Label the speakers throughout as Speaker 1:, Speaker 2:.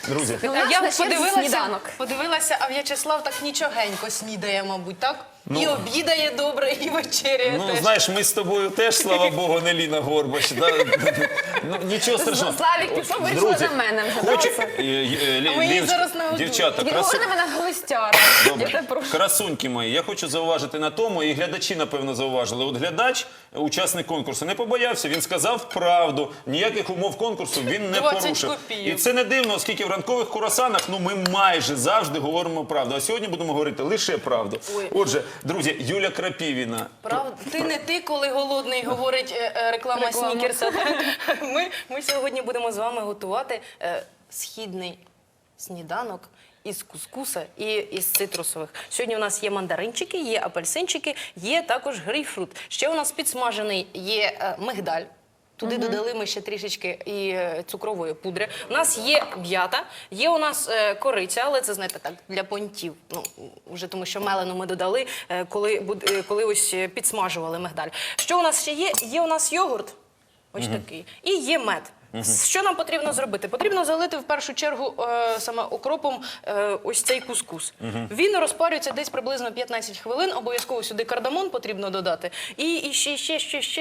Speaker 1: Друзі,
Speaker 2: Я подивилася, а В'ячеслав так нічогенько снідає, мабуть, так? І обідає добре, і вечеряє
Speaker 1: ну,
Speaker 2: теж.
Speaker 1: знаєш, ми з тобою теж, слава Богу, не Ліна Горбач. Ну, нічого страшного.
Speaker 3: Славік пішов, вирішила на мене вже.
Speaker 1: Хочу...
Speaker 2: ми їй зараз нагодуємо.
Speaker 1: Дівчата,
Speaker 3: Він говорить на мене гостяра.
Speaker 1: Добре. Красуньки мої, я хочу зауважити на тому, і глядачі, напевно, зауважили. От глядач, учасник конкурсу, не побоявся, він сказав правду, ніяких умов конкурсу він не
Speaker 2: 20
Speaker 1: порушив.
Speaker 2: копійок.
Speaker 1: І це не дивно, оскільки в ранкових курасанах, ну, ми майже завжди говоримо правду. А сьогодні будемо говорити лише правду. Отже, друзі, Юля Крапівіна.
Speaker 2: Правда? Ти, коли голодний, говорить реклама снікерса. Ми сьогодні будемо з вами готувати східний сніданок із кускуса і із цитрусових. Сьогодні у нас є мандаринчики, є апельсинчики, є також грейпфрут. Ще у нас підсмажений є мигдаль. Туди додали ми ще трішечки і цукрової пудри. У нас є м'ята, є у нас кориця, але це, знаєте, так, для понтів. Ну, вже тому що мелену ми додали, коли ось підсмажували мигдаль. Що у нас ще є? Є у нас йогурт, ось такий, і є мед. Що нам потрібно зробити? Потрібно залити в першу чергу саме окропом ось цей кускус. Він розпарюється десь приблизно 15 хвилин, обов'язково сюди кардамон потрібно додати. І ще.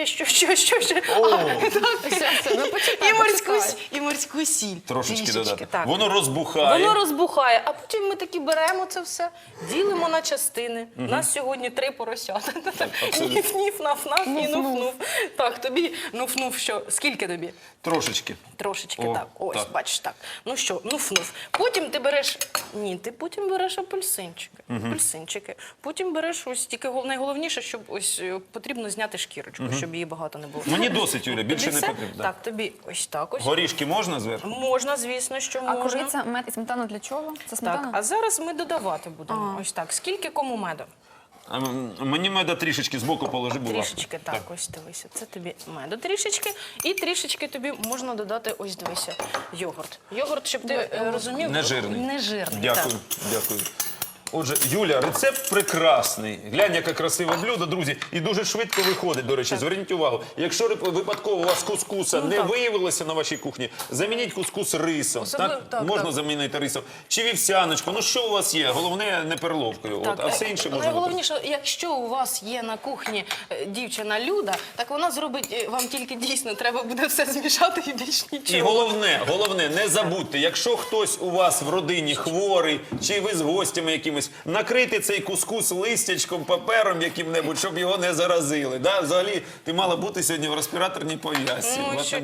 Speaker 2: І морську сіль.
Speaker 1: Трошечки додати.
Speaker 2: Так.
Speaker 1: Воно розбухає.
Speaker 2: Воно розбухає, а потім ми таки беремо це все, ділимо на частини. У нас сьогодні 3 поросята. Ніф-ніф, наф-наф і нуф-нуф. Так, тобі нуф-нуф що? Скільки тобі?
Speaker 1: Трошечки.
Speaker 2: Трошечки,
Speaker 1: О,
Speaker 2: так. Ось,
Speaker 1: так.
Speaker 2: бачиш, так. Ну що, нуф-нуф. Потім ти береш... Ні, ти потім береш апельсинчики. Апельсинчики. Потім береш ось, тільки найголовніше, щоб ось потрібно зняти шкірочку, щоб її багато не було.
Speaker 1: Мені досить, Юля, більше
Speaker 2: Тобі
Speaker 1: не
Speaker 2: все?
Speaker 1: потрібно.
Speaker 2: Так, тобі ось так ось.
Speaker 1: Горішки можна зверху?
Speaker 2: Можна, звісно, що
Speaker 3: А
Speaker 2: можна.
Speaker 3: кориця, мед і сметана для чого? Це
Speaker 2: Так,
Speaker 3: сметана?
Speaker 2: а зараз ми додавати будемо. Ось так. Скільки кому меду?
Speaker 1: Мені меда трішечки збоку положи, будь ласка.
Speaker 2: Трішечки, так, ось дивися. Це тобі меду трішечки. І трішечки тобі можна додати, ось дивися, йогурт. Йогурт, щоб ти розумів...
Speaker 1: Нежирний.
Speaker 2: Нежирний,
Speaker 1: Дякую, дякую. Отже, Юля, рецепт прекрасний. Глянь, яке красиве блюдо, друзі. І дуже швидко виходить, до речі. Зверніть увагу. Якщо випадково у вас кускуса не виявилося на вашій кухні, замініть кускус рисом. Можна замінити рисом. Чи вівсяночку. Ну, що у вас є? Головне, не перловкою. От, а все інше можна.
Speaker 2: Найголовніше, якщо у вас є на кухні дівчина Люда, так вона зробить, вам тільки дійсно треба буде все змішати і більш нічого.
Speaker 1: І головне, не забудьте, якщо хтось у вас в родині хворий, чи ви з гостями якимось, накрити цей кускус листячком, папером яким-небудь, щоб його не заразили. Да? Взагалі, ти мала бути сьогодні в респіраторній пов'язці.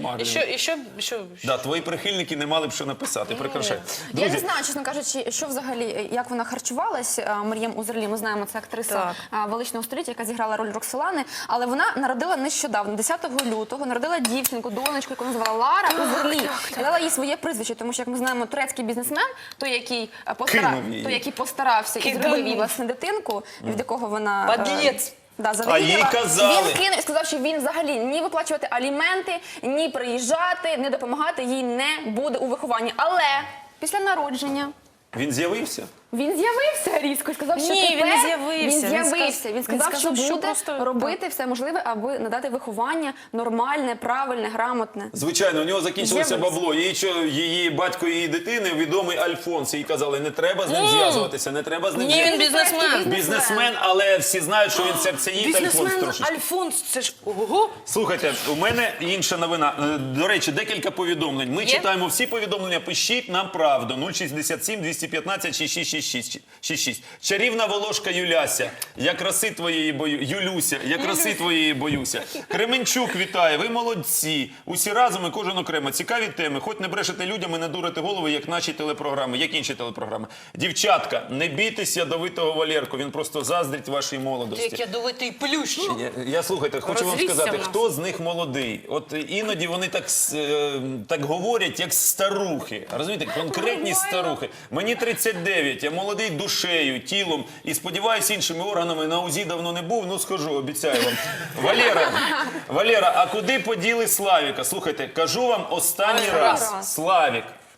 Speaker 1: Твої прихильники не мали б що написати. Прикрашай.
Speaker 3: Я не знаю, чесно кажучи, що взагалі, як вона харчувалась, Мар'єм Узерлі, ми знаємо, це актриса величного століття, яка зіграла роль Роксолани, але вона народила нещодавно, 10 лютого, народила дівчинку, донечку, яку назвала Лара Узерлі. Дала їй своє прізвище, тому що, як ми знаємо, турецький бізнесмен, той, який постарався і зробив їй власне дитинку, від якого вона...
Speaker 2: Подлець!
Speaker 1: А їй казали.
Speaker 3: Він кинув і сказав, що він взагалі ні виплачувати аліменти, ні приїжджати, не допомагати їй не буде у вихованні. Але після народження
Speaker 1: Він з'явився?
Speaker 3: він з'явився різко і сказав, що
Speaker 2: Ні,
Speaker 3: тепер
Speaker 2: він не з'явився.
Speaker 3: Він з'явився. Він сказав, що
Speaker 2: що
Speaker 3: буде
Speaker 2: просто-
Speaker 3: робити все можливе, аби надати виховання нормальне, правильне, грамотне.
Speaker 1: Звичайно, у нього закінчилося
Speaker 3: З'явився.
Speaker 1: бабло. Її батько її дитини, відомий Альфонс. Їй казали, не треба з ним зв'язуватися, не треба з ним
Speaker 2: Ні, він
Speaker 1: зв'язуватися.
Speaker 2: бізнесмен.
Speaker 1: Бізнесмен, але всі знають, що він серцеїд Альфонс
Speaker 2: Бізнесмен
Speaker 1: трошечки.
Speaker 2: Альфонс, це ж ого!
Speaker 1: Слухайте, у мене інша новина. До речі, декілька повідомлень. Ми читаємо всі повідомлення, пишіть нам правду. 067 215 6666. Чарівна Волошка Юляся. Я краси твоєї Юлюся, я краси твоєї боюся. Кременчук вітає, ви молодці. Усі разом і кожен окремо. Цікаві теми. Хоч не брешете людям і не дурите голови, як наші телепрограми, як інші телепрограми. Дівчатка, не бійтесь ядовитого Валерку, він просто заздрить вашій молодості.
Speaker 2: Як ядовитий плющ.
Speaker 1: Я слухайте, хочу вам
Speaker 2: Розвісся
Speaker 1: сказати,
Speaker 2: в нас.
Speaker 1: хто з них молодий. От іноді вони так говорять, як старухи. Розумієте, конкретні старухи. Мені 39, я молодий душею, тілом і сподіваюся, іншими органами на УЗІ давно не був, ну схожу, обіцяю вам. Валера, а куди поділи Славіка? Слухайте, кажу вам останній раз. Славік.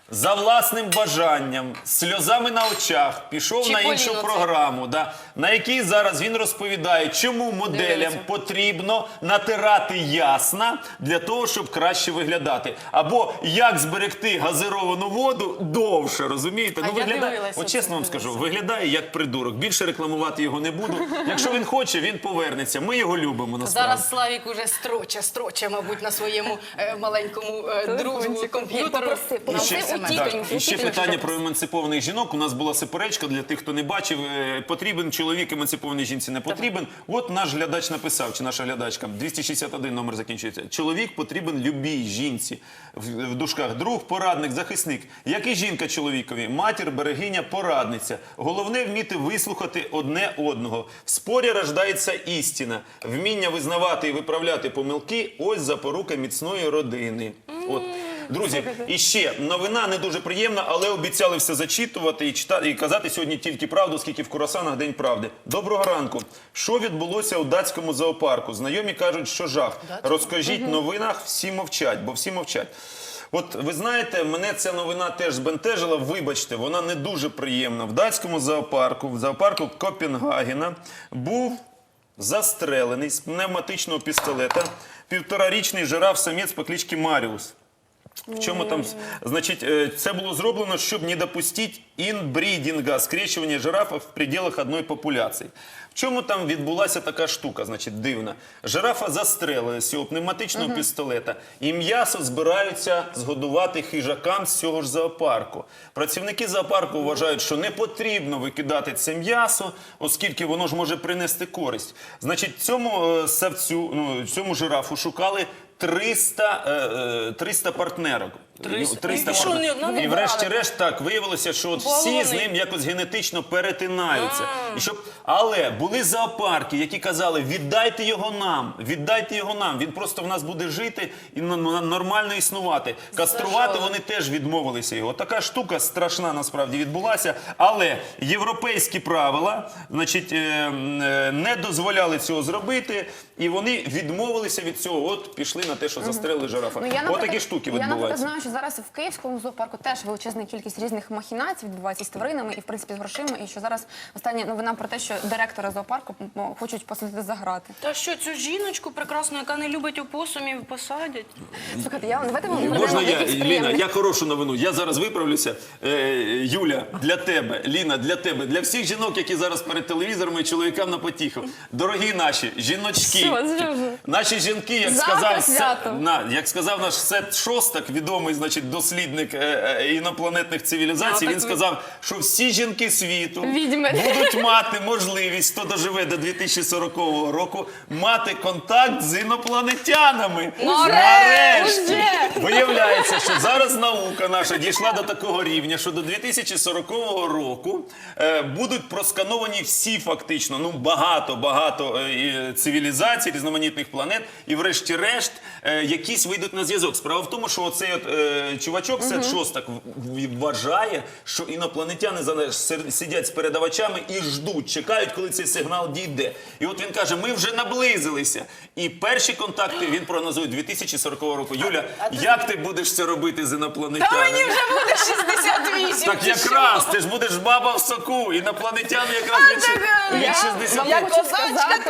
Speaker 1: за власним бажанням, з сльозами на очах, пішов на іншу
Speaker 2: Чіполіно це.
Speaker 1: програму, на якій зараз він розповідає, чому моделям
Speaker 2: Дивіться.
Speaker 1: потрібно натирати ясна для того, щоб краще виглядати. Або як зберегти газировану воду довше, розумієте?
Speaker 2: А я
Speaker 1: Виглядає,
Speaker 2: дивилася
Speaker 1: от чесно
Speaker 2: це,
Speaker 1: вам скажу,
Speaker 2: дивилася.
Speaker 1: виглядає як придурок. Більше рекламувати його не буду. Якщо він хоче, він повернеться. Ми його любимо насправді.
Speaker 2: Зараз Славік уже строче, мабуть, на своєму маленькому другу комп'ютеру.
Speaker 3: Попроси,
Speaker 2: На
Speaker 3: попроси
Speaker 2: все
Speaker 3: у
Speaker 2: мене.
Speaker 3: тітоньки.
Speaker 1: Так, і ще
Speaker 3: Тітоньки
Speaker 1: питання
Speaker 3: попроси.
Speaker 1: про емансипованих жінок. У нас була суперечка, для тих, хто не бачив. Потрібен чоловік емансипованій жінці, не потрібен. От наш глядач написав, чи наша глядачка, 261 номер закінчується. Чоловік потрібен любій жінці. В дужках друг, порадник, захисник. Як і жінка чоловікові, матір, берегиня, порадниця. Головне вміти вислухати одне одного. В спорі рождається істина. Вміння визнавати і виправляти помилки – ось запорука міцної родини. От. Друзі, і ще новина не дуже приємна, але обіцяли все зачитувати і читати, і казати сьогодні тільки правду, оскільки в Курасанах День правди. Доброго ранку. Що відбулося у датському зоопарку? Знайомі кажуть, що жах. Розкажіть в новинах, всі мовчать, бо всі мовчать. От ви знаєте, мене ця новина теж збентежила, вибачте, вона не дуже приємна. В датському зоопарку, в зоопарку Копенгагена, був застрелений з пневматичного пістолета півторарічний жираф-самець по кличці Маріус. В чому там, значить, це було зроблено, щоб не допустити інбрідінга, скрещування жирафа в пределах одної популяції. В чому там відбулася така штука, значить, дивна? Жирафа застрелили з цього пневматичного пістолета, і м'ясо збираються згодувати хижакам з цього ж зоопарку. Працівники зоопарку вважають, що не потрібно викидати це м'ясо, оскільки воно ж може принести користь. Значить, цьому савцю, цьому жирафу шукали 300 партнерок.
Speaker 2: 300? І що,
Speaker 1: партнерок.
Speaker 2: ні одна не
Speaker 1: І
Speaker 2: брали?
Speaker 1: врешті-решт так виявилося, що от всі
Speaker 2: Балони.
Speaker 1: з ним якось генетично перетинаються. Але були зоопарки, які казали, віддайте його нам, віддайте його нам, він просто в нас буде жити і нормально існувати. Каструвати вони теж відмовилися його. Така штука страшна насправді відбулася, але європейські правила, значить, не дозволяли цього зробити, і вони відмовилися від цього, от пішли на те, що застрелили жирафа. От такі штуки
Speaker 3: Я, наприклад,
Speaker 1: відбуваються.
Speaker 3: знаю, що зараз в Київському зоопарку теж величезна кількість різних махінацій відбувається з тваринами і, в принципі, з грошима. І що зараз остання новина про те, що директора зоопарку хочуть посадити за грати.
Speaker 2: Та що, цю жіночку прекрасну, яка не любить опосумів, посадять?
Speaker 3: Слухайте, давайте ми
Speaker 1: Можна
Speaker 3: перейдемо до
Speaker 1: я,
Speaker 3: якихось
Speaker 1: Ліна,
Speaker 3: приємних.
Speaker 1: я хорошу новину. Я зараз виправлюся. Юля, для тебе, Ліна, для тебе, для всіх жінок, які зараз перед телевізором і чоловікам на потіху. Дорогі наші жіночки,
Speaker 3: Що вже?
Speaker 1: наші жінки,
Speaker 3: Завтра свято.
Speaker 1: як сказав наш Сет Шостак, відомий, значить, дослідник інопланетних цивілізацій, він сказав, що всі жінки світу
Speaker 3: Відьми.
Speaker 1: будуть мати можливість, хто доживе до 2040 року, мати контакт з інопланетянами. Нарешті! Виявляється, що зараз наука наша дійшла до такого рівня, що до 2040 року будуть проскановані всі фактично, багато цивілізацій, різноманітних планет, і врешті-решт якісь вийдуть на зв'язок. Справа в тому, що оцей чувачок, Сет Шостак, вважає, що інопланетяни сидять з передавачами і ждуть, чекають, коли цей сигнал дійде. І от він каже, ми вже наблизилися. І перші контакти він прогнозує 2040 року. Юля, як ти будеш це робити з інопланетянами?
Speaker 2: Та мені вже буде 68.
Speaker 1: Так
Speaker 2: чи
Speaker 1: якраз, ти ж будеш баба в соку, інопланетяни якраз від
Speaker 3: Я
Speaker 1: 60.
Speaker 3: вам
Speaker 2: Як
Speaker 3: хочу
Speaker 2: козачка
Speaker 3: сказати,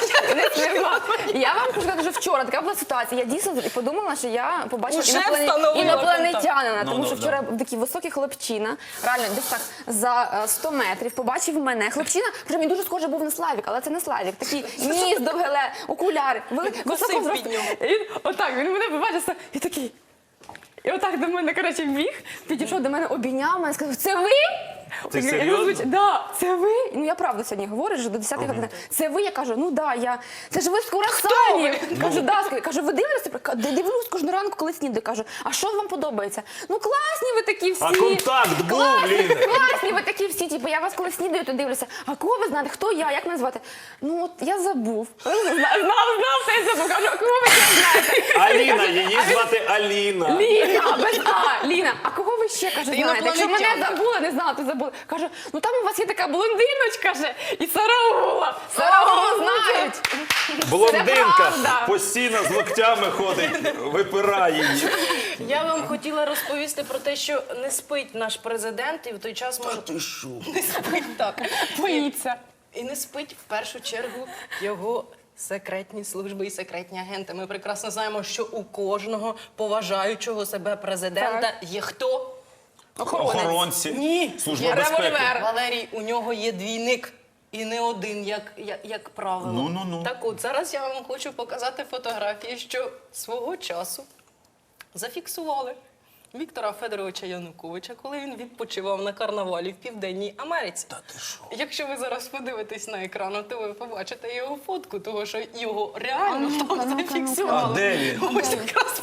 Speaker 2: твоя.
Speaker 3: я вам хочу сказати, що вчора така була ситуація. Я дійсно подумала, що я побачила
Speaker 2: Уже встановила
Speaker 3: інопланетянина,
Speaker 1: Ну,
Speaker 3: тому що
Speaker 1: да,
Speaker 3: вчора такий високий хлопчина, реально десь так за 100 метрів побачив мене. Хлопчина, причому він дуже схожий був на Славік, але це не Славік. Такий ніс, довгеле, окуляри, високо
Speaker 2: під нього.
Speaker 3: Він отак, він мене побачив і такий. І отак до мене, коротше, біг, підійшов до мене, обійняв мене, сказав, це ви?
Speaker 1: Ти
Speaker 3: Я
Speaker 1: серйозно?
Speaker 3: кажу, да, це ви? Ну, я правду сьогодні говорю, вже до 10 години. Це ви? Я кажу, ну да, я. Це ж ви з Курасанів. Кажу, да, кажу, ви дивитеся? Дивлюсь кожну ранку, коли снідаю. Кажу, а що вам подобається? Ну класні ви такі всі.
Speaker 1: А контакт був, Ліна?
Speaker 3: Класні ви такі всі, типу, я вас коли снідаю, то дивлюся. А кого ви знаєте? Хто я? Як мене звати? Ну, от я забув. Знав, все забув. Кажу, а кого ви ще знаєте?
Speaker 1: Аліна, її звати Аліна.
Speaker 3: Ліна, без А, Ліна, а кого ви ще, кажу, знаєте? Якщо мене
Speaker 2: Інопланетянка.
Speaker 3: забули, не знала, то забули. Каже, ну там у вас є така блондиночка же, і Сараула. Сараула знають. Це
Speaker 1: Блондинка
Speaker 3: правда.
Speaker 1: постійно з локтями ходить, випирає її.
Speaker 2: Я вам хотіла розповісти про те, що не спить наш президент, і в той час може
Speaker 1: Ти що?
Speaker 2: не спить так.
Speaker 3: Боїться.
Speaker 2: І не спить в першу чергу його секретні служби і секретні агенти. Ми прекрасно знаємо, що у кожного поважаючого себе президента є хто?
Speaker 1: Охоронці.
Speaker 2: Ні,
Speaker 1: Служба
Speaker 2: є
Speaker 1: безпеки.
Speaker 2: револьвер. Валерій, у нього є двійник. І не один, як правило.
Speaker 1: Ну.
Speaker 2: Так от, зараз я вам хочу показати фотографії, що свого часу зафіксували Віктора Федоровича Януковича, коли він відпочивав на карнавалі в Південній Америці.
Speaker 1: Та ти що?
Speaker 2: Якщо ви зараз подивитесь на екран, то ви побачите його фотку, тому що його реально там зафіксували.
Speaker 1: А де він?
Speaker 2: Ось якраз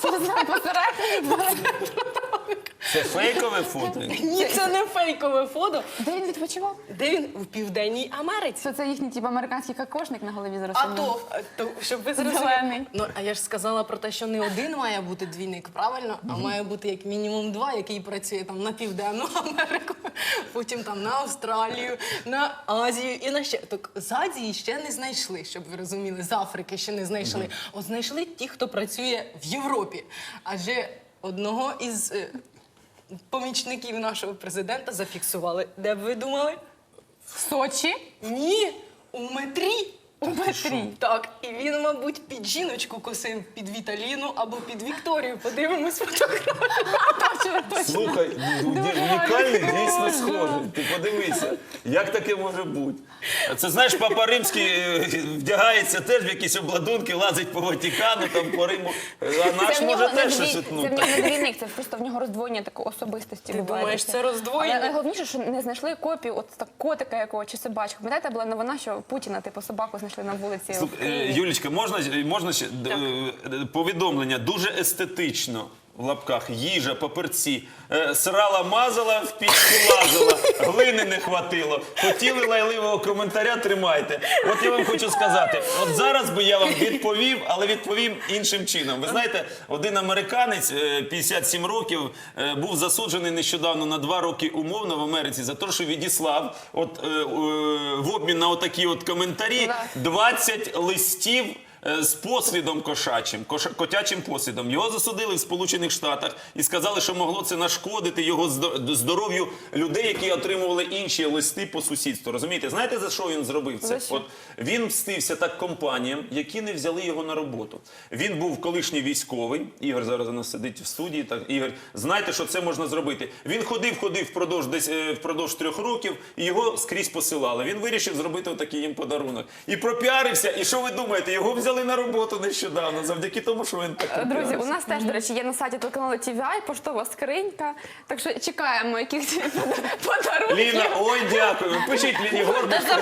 Speaker 1: Це фейкове фото?
Speaker 2: ні, це не фейкове фото.
Speaker 3: Де він відпочивав?
Speaker 2: Де він? У Південній Америці.
Speaker 3: Це їхній типу, американський кокошник на голові зараз.
Speaker 2: А то, щоб ви зрозуміли.
Speaker 3: Зелений.
Speaker 2: Ну, а я ж сказала про те, що не один має бути двійник, правильно? А має бути як мінімум два, який працює там на Південну Америку, потім там на Австралію, на Азію і на ще. Так з Азії ще не знайшли, щоб ви розуміли, з Африки ще не знайшли. От знайшли ті, хто працює в Європі. Адже одного із помічників нашого президента зафіксували. Де б ви думали?
Speaker 3: В Сочі?
Speaker 2: Ні, у метрі.
Speaker 3: У Петрі.
Speaker 2: Так, і він, мабуть, під жіночку косив, під Віталіну або під Вікторію. Подивимось фотографію.
Speaker 1: Слухай, унікальний дійсно схожий. Ти подивися, як таке може бути? Це, знаєш, Папа Римський вдягається теж в якісь обладунки, лазить по Ватикану, там по Риму. А наш може теж щось
Speaker 3: Це в
Speaker 1: утнути.
Speaker 3: нього не двійник, це просто в нього роздвоєння такої особистості.
Speaker 2: Ти
Speaker 3: буває
Speaker 2: думаєш,
Speaker 3: таке.
Speaker 2: це роздвоєння?
Speaker 3: Але найголовніше, що не знайшли копію от так котика якого чи собачку. Пам'ятаєте, була новина, що Путіна, типу, собаку знайшли на вулиці. в
Speaker 1: Слухай,
Speaker 3: Києві?
Speaker 1: Юлічка, можна ще повідомлення дуже естетично. В лапках їжа, папірці, срала, мазала, в пічку лазила, глини не хватило. Хотіли лайливого коментаря, тримайте. От я вам хочу сказати, от зараз би я вам відповів, але відповім іншим чином. Ви знаєте, один американець, 57 років, був засуджений нещодавно на 2 роки умовно в Америці за те, що відіслав в обмін на отакі от коментарі 20 листів з послідом кошачим, котячим послідом. Його засудили в Сполучених Штатах і сказали, що могло це нашкодити його здоров'ю людей, які отримували інші листи по сусідству. Розумієте? Знаєте, за що він зробив це?
Speaker 3: За що?
Speaker 1: От він мстився так компаніям, які не взяли його на роботу. Він був колишній військовий. Ігор зараз у нас сидить в студії. Так, Ігор, знаєте, що це можна зробити? Він ходив впродовж 3 років і його скрізь посилали. Він вирішив зробити отакий їм подарунок. І пропіарився. І що ви думаєте? Його взяли на роботу нещодавно, завдяки тому, що він так
Speaker 3: Друзі,
Speaker 1: пропіарився.
Speaker 3: у нас теж, до речі, є на сайті телеканалу TVI, поштова скринька. Так що чекаємо якихось подарунків.
Speaker 1: Ліна, ой, дякую. Пишіть Ліні Горбуш.
Speaker 2: До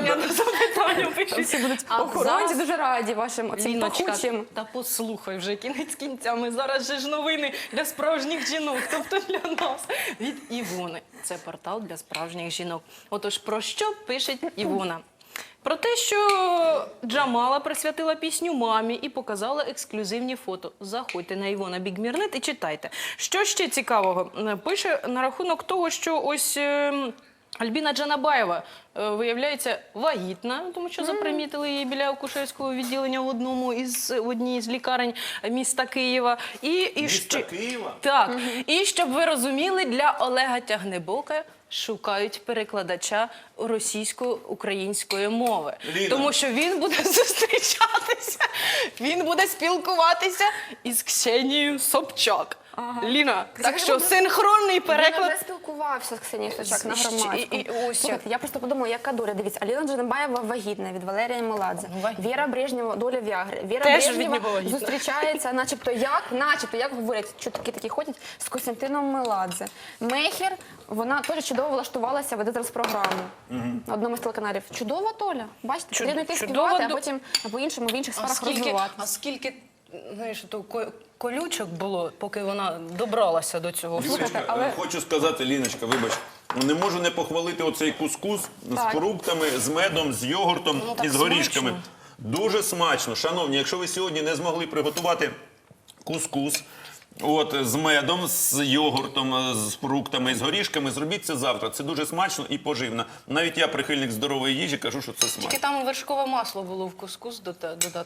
Speaker 2: запитання пишіть.
Speaker 3: Всі будуть
Speaker 2: А
Speaker 3: охоронці
Speaker 2: зараз-
Speaker 3: дуже раді вашим оцим
Speaker 2: Ліночка,
Speaker 3: пахучим.
Speaker 2: та послухай вже кінець кінцями. Зараз же ж новини для справжніх жінок, тобто для нас. Від Івони. Це портал для справжніх жінок. Отож, про що пише Івона? Про те, що Джамала присвятила пісню мамі і показала ексклюзивні фото. Заходьте на Івона Бігмірнет і читайте. Що ще цікавого? Пише на рахунок того, що ось Альбіна Джанабаєва, виявляється, вагітна, тому що запримітили її біля акушерського відділення в одній з лікарень міста Києва.
Speaker 1: Міста Києва?
Speaker 2: Так. І щоб ви розуміли, для Олега Тягнебока шукають перекладача російсько-української мови.
Speaker 1: Ліна.
Speaker 2: Тому що він буде зустрічатися, він буде спілкуватися із Ксенією Собчак. Ліна, так що синхронний
Speaker 3: Він
Speaker 2: переклад.
Speaker 3: вже спілкувався з Ксенією Собчак на
Speaker 2: І
Speaker 3: громадському.
Speaker 2: ось
Speaker 3: Слухайте, я просто подумала, яка доля. Дивіться, Аліна Джанабаєва вагітна від Валерія Меладзе.
Speaker 2: Вагітна.
Speaker 3: Віра Брежнєва, доля Віагри. Віра
Speaker 2: Теж від
Speaker 3: Брежнєва
Speaker 2: нього вагітна.
Speaker 3: зустрічається, начебто як говорять, чутки такі ходять, з Костянтином Меладзе. Мехер, вона теж чудово влаштувалася, веде зараз програму на одному з телеканалів. Чудова доля. Бачите, потрібно йти
Speaker 2: чудова
Speaker 3: співати, а
Speaker 2: до-
Speaker 3: потім по-іншому в інших сферах розвиватися.
Speaker 2: А скільки, знаєш, то колючок було, поки вона добралася до цього.
Speaker 3: Слухайте, але-
Speaker 1: Хочу сказати, Ліночка, вибач, не можу не похвалити оцей кускус
Speaker 3: Так.
Speaker 1: з фруктами, з медом, з йогуртом
Speaker 2: Ну, так
Speaker 1: і з горішками.
Speaker 2: смачно.
Speaker 1: Дуже смачно. Шановні, якщо ви сьогодні не змогли приготувати кускус, От, з медом, з йогуртом, з фруктами, з горішками. Зробіть це завтра. Це дуже смачно і поживно. Навіть я, прихильник здорової їжі, кажу, що це смачно.
Speaker 2: Тільки там вершкове масло було в кускус додати.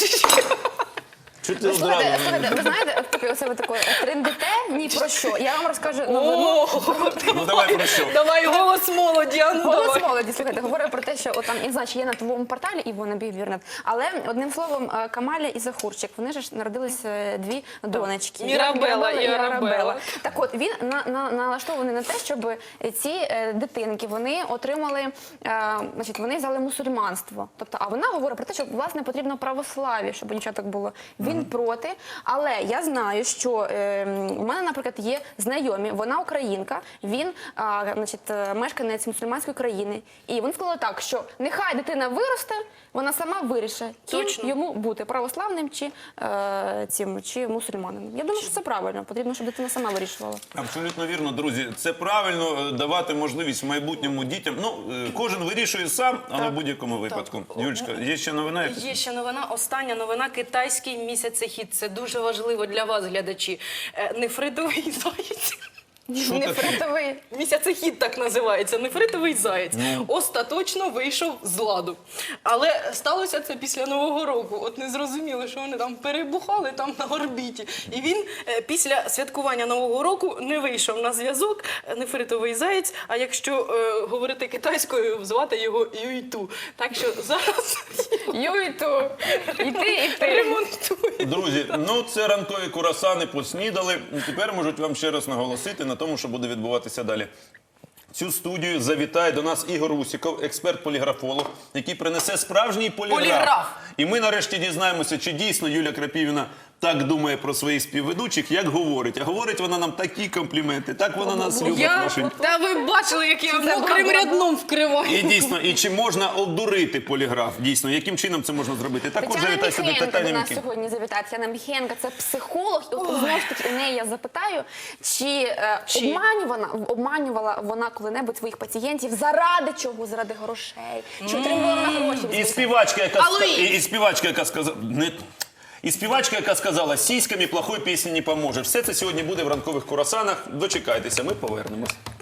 Speaker 1: Чого ти
Speaker 3: Слухайте,
Speaker 1: одразу?
Speaker 3: ви знаєте, поки оце ви таке трендите, ні про що. Я вам розкажу
Speaker 1: Ну давай про що?
Speaker 2: Давай голос молоді, а ну
Speaker 3: голос
Speaker 2: давай.
Speaker 3: молоді. Слухайте, говорю про те, що там і значить є на твоєму порталі Івона Бігвірнет. Але одним словом, Камаля і Захурчик, вони ж народилися дві донечки.
Speaker 2: Мірабела і Арабела.
Speaker 3: Так от він налаштований на те, щоб ці дитинки вони отримали, значить, вони взяли мусульманство. Тобто, а вона говорить про те, що власне потрібно православ'я, щоб у дівчаток було. Він проти, але я знаю, що у мене, наприклад, є знайомі, вона українка, він, значить, мешканець мусульманської країни. І він сказав так, що нехай дитина виросте, вона сама вирішить, ким
Speaker 2: Точно.
Speaker 3: йому бути, православним чи мусульманином. Я думаю, що це правильно, потрібно, щоб дитина сама вирішувала.
Speaker 1: Абсолютно вірно, друзі. Це правильно давати можливість в майбутньому дітям. Ну, кожен вирішує сам, але в будь-якому випадку. Юлечка, є ще новина? якась?
Speaker 2: Є ще новина, остання новина. Китайський місяцехід. Це дуже важливо для вас, глядачі. Нефритовий заєць.
Speaker 3: Нефритовий.
Speaker 2: Місяцехід так називається. Нефритовий заєць. Остаточно вийшов з ладу. Але сталося це після Нового року. От не зрозуміло, що вони там перебухали там на орбіті. І він після святкування Нового року не вийшов на зв'язок. Нефритовий заєць. А якщо говорити китайською, звати його Юйту. Так що зараз
Speaker 3: Юйту, і ти.
Speaker 2: ремонтує.
Speaker 1: Друзі, ну це ранкові курасани поснідали. Тепер можуть вам ще раз наголосити на тому, що буде відбуватися далі. Цю студію завітає до нас Ігор Усіков, експерт-поліграфолог, який принесе справжній поліграф. І ми нарешті дізнаємося, чи дійсно Юля Крапівна так думає про своїх співведучих, як говорить. А говорить вона нам такі компліменти, так вона нас любить. Машенька.
Speaker 2: Та ви бачили, як я
Speaker 3: Це
Speaker 2: мокрим
Speaker 3: була-
Speaker 2: рядном вкриваю.
Speaker 1: І дійсно, і чи можна обдурити поліграф? Дійсно, яким чином це можна зробити? Також
Speaker 3: Тетяна
Speaker 1: завітайся до
Speaker 3: Міхенка до
Speaker 1: Тетяни
Speaker 3: нас
Speaker 1: Міхен.
Speaker 3: сьогодні завітає. Тетяна Міхенка – це психолог. І от знову ж таки у неї я запитаю, чи обманювала вона коли-небудь своїх пацієнтів заради чого? Заради грошей. Чи отримувала вона гроші? від
Speaker 1: І
Speaker 3: своїх
Speaker 1: співачка, яка
Speaker 2: Алло,
Speaker 1: і співачка, яка сказала, і співачка, яка сказала, сіськами плохої пісні не поможе. Все це сьогодні буде в ранкових курасанах. Дочекайтеся, ми повернемось.